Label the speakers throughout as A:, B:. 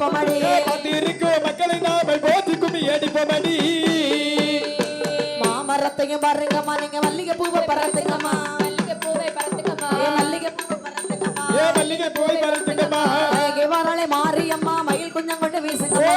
A: அடிப்போமடி
B: பத்திருக்கும் மக்களை நாம போற்றி கும்மி அடிப்போமடி
A: மாமரத்தையும் பாருங்கம்மா நீங்க மல்லிகை பூவை பறந்துங்கம்மா மல்லிகை பூவை பறந்துங்கம்மா மல்லிகை பூவை பறந்துங்கம்மா
B: மல்லிகை பூவை பறந்துங்கம்மா
A: வரலை மாரியம்மா மயில் குஞ்சம் கொண்டு வீசுங்கம்மா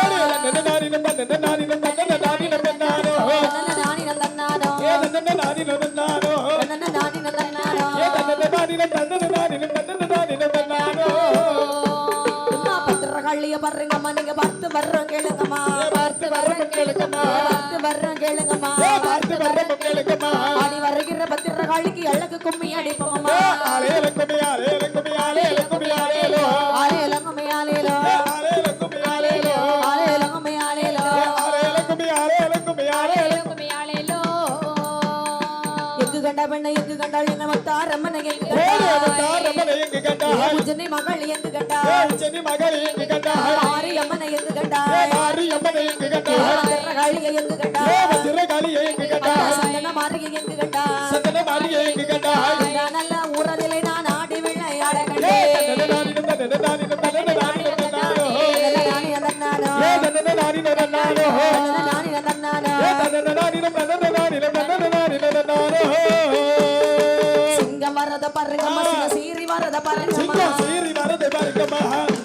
A: பத்திரகாளிய பாருங்கம்மா நீங்க பார்த்து வர்றோம் கேளுங்கம்மா பார்த்து வர்றோம் கேளுங்கம்மா பார்த்து வர்றோம் கேளுங்கம்மா
B: பார்த்து வர்றோம் கேளுங்கம்மா
A: ஆடி வருகிற பத்திரகாளிக்கு எள்ளக்கு கும்மி அடிப்போம்மா
B: ஆலேல கும்மி ஆலேல கும்மி ஆலேல கும்மி ஆலேலோ
A: ஆலேல கும்மி ஆலேலோ
B: ஆலேல கும்மி ஆலேலோ
A: ஆலேல கும்மி ஆலேலோ
B: ஆலேல கும்மி ஆலேல கும்மி ஆலேல கும்மி
A: ஆலேலோ எங்கு கண்ட பெண்ணை எங்கு கண்டாள் என்ன மத்தாரம்மனை எங்கு
B: மத்தாரம்மனை எங்கு கண்டாள்
A: உஜ்ஜனி மகள் எங்கு கண்டாள்
B: உஜ்ஜனி மகள் எங்கு கண்டாள்
A: மாரியம்மனை எங்கு கண்டாள்
B: மாரியம்மனை எங்கு கண்டாள்
A: பத்திரகாளியை எங்கு கண்டாள்
B: பத்திரகாளியை எங்கு கண்டாள்
A: சந்தன மாரியை எங்கு கண்டாள்
B: சந்தன மாரியை எங்கு கண்டாள்
A: நல்ல ஊரதிலே நான் ஆடி விளையாட கண்டேன் சிங்கம் வரத பாருங்கம்மா சீரி வரத பாருங்கம்மா
B: சீரி வரத பாருங்கம்மா